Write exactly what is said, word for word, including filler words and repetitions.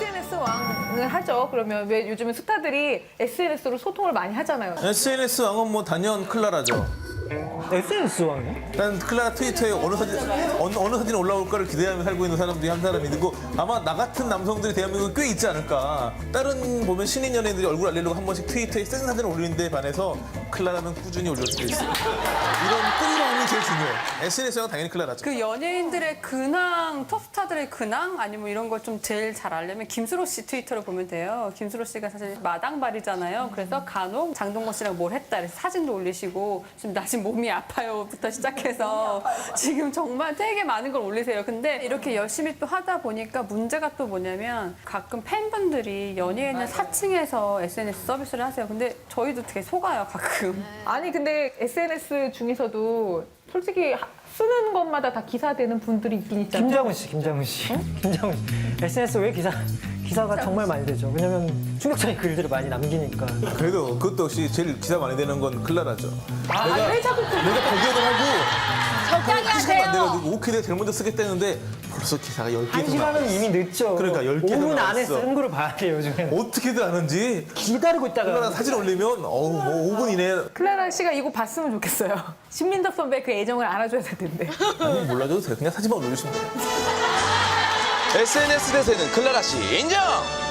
에스엔에스 왕을 하죠. 그러면 왜 요즘은 스타들이 에스엔에스로 소통을 많이 하잖아요. 에스엔에스 왕은 뭐 단연 클라라죠. 에스엔에스 왕이요? 난 클라라 트위터에 어느 사진 어느, 어느 사진 올라올까를 기대하며 살고 있는 사람들이 한 사람이 있고 아마 나 같은 남성들이 대한민국에 꽤 있지 않을까. 다른 보면 신인 연예인들이 얼굴 알리려고 한 번씩 트위터에 센 사진을 올리는 데 반해서 클라라는 꾸준히 올려주고 있어요. 이런 꾸준함이 제일 중요해. 에스엔에스 왕은 당연히 클라라죠. 그 연예인들의 근황, 톱스타들의 근황 아니면 이런 걸 좀 제일 잘 알려면 김수로 씨 트위터를 보면 돼요. 김수로 씨가 사실 마당발이잖아요. 그래서 간혹 장동건 씨랑 뭘 했다 그래서 사진도 올리시고 지금 나 지금 몸이 아파요부터 시작해서 지금 정말 되게 많은 걸 올리세요. 근데 이렇게 열심히 또 하다 보니까 문제가 또 뭐냐면 가끔 팬분들이 연예인을 사칭해서 에스엔에스 서비스를 하세요. 근데 저희도 되게 속아요, 가끔. 아니 근데 에스엔에스 중에서도 솔직히 하- 쓰는 것마다 다 기사되는 분들이 있긴 있잖아요. 김장훈 씨, 김장훈 씨. 김장훈 씨. 에스엔에스 왜 기사, 기사가 정말 많이 되죠. 왜냐면 충격적인 글들을 많이 남기니까. 그래도 그것도 역시 제일 기사 많이 되는 건 클라라죠. 아, 왜 자꾸 그 내가 발견을 하고 적당히 한 시간 안 하세요. 돼가지고 오케이 내가 제일 먼저 쓰겠다는데 벌써 기사가 열 한 개도 나왔어. 시간은 이미 늦죠. 그러니까 열 개도 오 분 안에 나왔어. 쓴 거를 봐야 돼요, 요즘에는. 어떻게들 아는지 기다리고 클라라 있다가. 사진 올리면 어우 뭐 오 분 이내에 클라라 씨가 이거 봤으면 좋겠어요. 신민덕 선배 그 애정을 알아줘야 될 텐데. 아니, 몰라줘도 돼. 그냥 사진만 올려주시면 돼요. 에스엔에스 대세는 클라라 씨 인정!